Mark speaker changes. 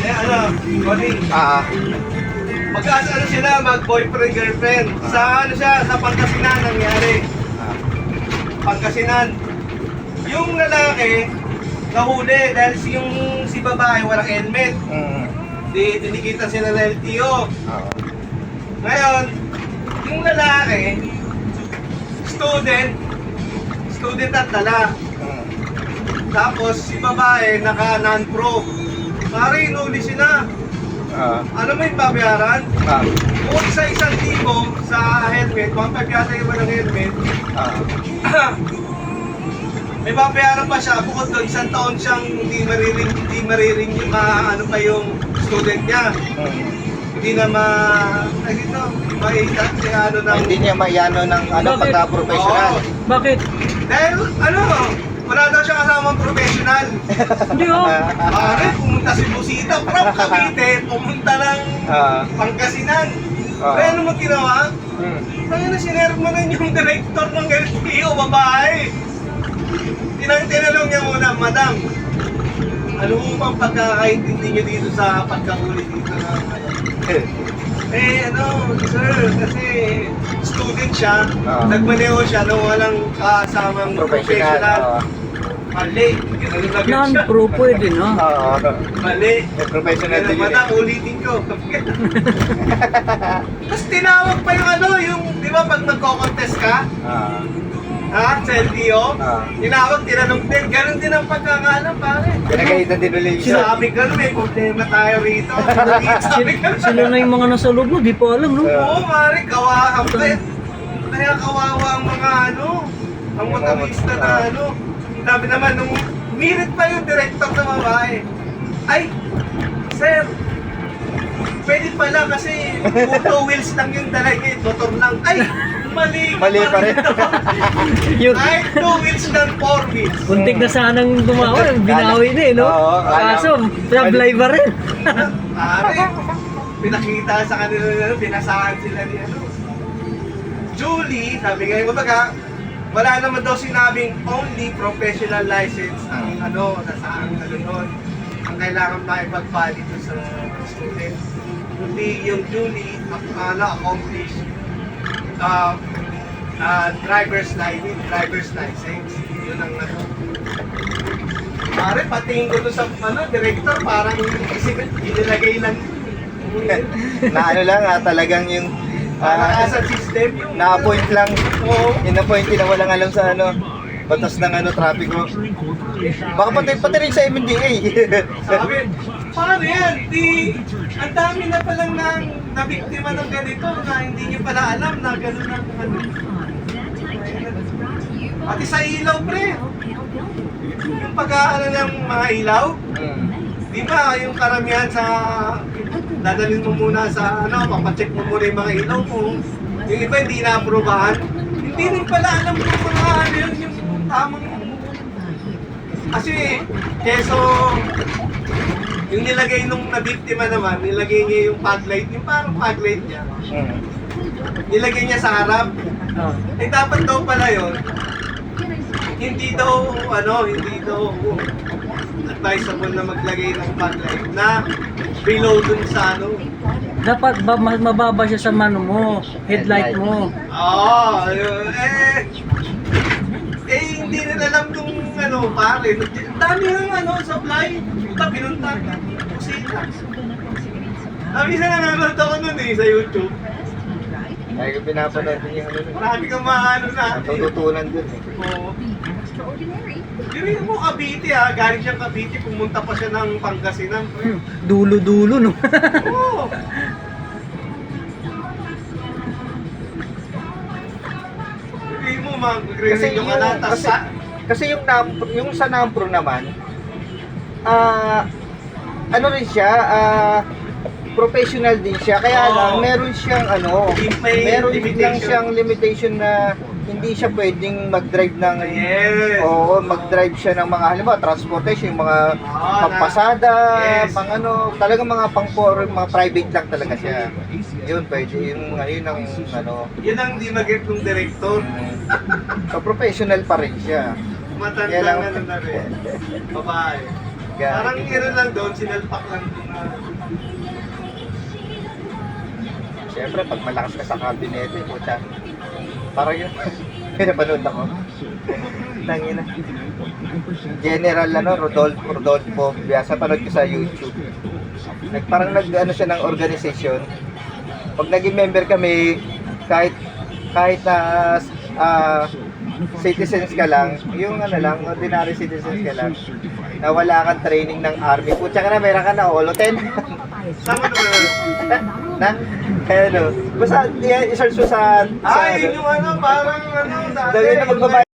Speaker 1: Eh ano, Connie, ano sila, mag-boyfriend, girlfriend. Sa ano siya, sa Pangasinan nangyari. Pangasinan. Yung lalaki, nahuli dahil si babae walang helmet. Di tinikitan sila ng LTO. Ngayon, yung lalaki, student at dala. Tapos si babae naka non-pro. Pare, inuli sila. Ano may babayaran? Kung sa 1,000 sa helmet, 1,500 yata yung walang helmet. May babayaran pa siya. Bukod doon, 1 taon siyang hindi mariring yung ano pa yung student niya. Hindi na maita si ano ng...
Speaker 2: Hindi niya maiyano ng ano,
Speaker 3: Bakit?
Speaker 2: pagka-professional.
Speaker 3: Bakit?
Speaker 1: Dahil ano, wala daw siya kasamang professional.
Speaker 3: Hindi oh.
Speaker 1: Pare, pumunta si Busita, from Cavite, pumunta ng Pangasinan. Pero ano mo ginawa? Kaya na sinerve mo na yung director ng LTO, babae. Tinanong niya muna, madam, ano mo bang pagkakaintindi niyo dito sa pagkahuli dito na sir, kasi student siya, nagmaneho siya nung walang kasamang professional. Mali, ginanong na siya.
Speaker 3: Non-pro pwede, no?
Speaker 1: Mali.
Speaker 2: Professional din yun.
Speaker 1: Madam, ulitin ko. Tapos tinawag pa yung di ba pag nagko-contest ka? Sa LTO? Tinawag, tinanong din. Ganon din ang pagkakaalam, pare.
Speaker 2: Pinagalitan din ulit siya.
Speaker 1: Sabi ka may problema tayo rito. Sabi ka
Speaker 3: Sila na yung mga nasa loob mo, di pa alam, no?
Speaker 1: Oo, pare, kawawa. Kaya kawawa ang mga ang motorista na Sabi naman, nung mirit pa yung director na babae. Ay, sir, pwede pala kasi auto wheels lang yung dala niya, motor lang. Ay, mali
Speaker 2: Pa rin.
Speaker 3: Yung
Speaker 1: Ay, 2 wheels lang, 4 wheels.
Speaker 3: puntik na sanang gumawa, binawi na eh, no?
Speaker 2: Oo,
Speaker 3: Kaso, sablay pa rin.
Speaker 1: Pare, pinakita sa kanila pinasahan sila ni Julie, sabi ngayon, kumbaga, wala naman daw sinabing only professional license ang nasa ang doon. Ang kailangan maipag-valid sa student. Kundi yung Julie, accomplished driver's license. Yun ang Pare, patingin ko doon sa director, parang inilagay lang.
Speaker 2: Na talagang yung
Speaker 1: Asa system yung
Speaker 2: na-appoint lang.
Speaker 1: Oo.
Speaker 2: In-appoint na walang alam sa batas ng trapiko. Baka pati rin sa MMDA.
Speaker 1: Sabi, paano yan? Ang dami na palang nabiktima ng ganito na hindi niyo pala alam na gano'n ang Pati sa ilaw, pre. Yung pag-aaral ng mga ilaw, di ba yung karamihan sa dadalhin mo muna sa papacheck mo muna yung mga ilaw mo. Yung iba hindi na-aprobahan. Hindi rin pala alam kung mga yung tamang. Kasi, keso, yung nilagay nung nabiktima naman, nilagay niya yung fog light, yung parang fog light niya. Nilagay niya sa harap. Eh dapat daw pala yun, hindi daw advisable na maglagay ng fog light na below dun sa
Speaker 3: Dapat mababa siya sa headlight mo.
Speaker 1: Hindi rin alam kung pare. Dami ng supply. Pinunta ka. Kusina. Minsan nanonood ako nun sa YouTube.
Speaker 2: Ay, pinapanood din yung
Speaker 1: Marami kang maano na.
Speaker 2: tututunan dun
Speaker 1: Oo. Hindi mo Cavite galing siyang Cavite, pumunta pa siya ng Pangasinan.
Speaker 3: Dulo-dulo, no?
Speaker 1: Oo. Hindi mo mag-review ka na,
Speaker 2: kasi yung sa Nampro naman, ano rin siya, professional din siya, kaya lang meron siyang meron lang siyang limitation na hindi siya pwedeng mag-drive ng mag-drive siya ng mga halimbawa transportation, yung mga pagpasada, talagang mga mga private lang talaga siya. Yun pwede, yun ang
Speaker 1: Yun ang di mag-get ng director.
Speaker 2: so professional pa rin siya.
Speaker 1: Matanda na rin. Babae. Parang iro lang doon, sinalpak lang doon na.
Speaker 2: Siyempre, pag malakas ka sa kabinete, puta. Parang yun. Pinapanood ako. Tangina. General Rodolfo. Biyasa panood ko sa YouTube. Parang nag-ano siya ng organisasyon. Pag naging member kami, kahit na citizens ka lang, yung ano lang, ordinary citizens ka lang, na wala kang training ng army. Putya ka na, meron ka na, oloten.
Speaker 1: Sama naman.
Speaker 2: Na? Ano? Basta, i-search mo sa
Speaker 1: Ay, yun yung ano, parang ano,
Speaker 2: Dahil na magbabayad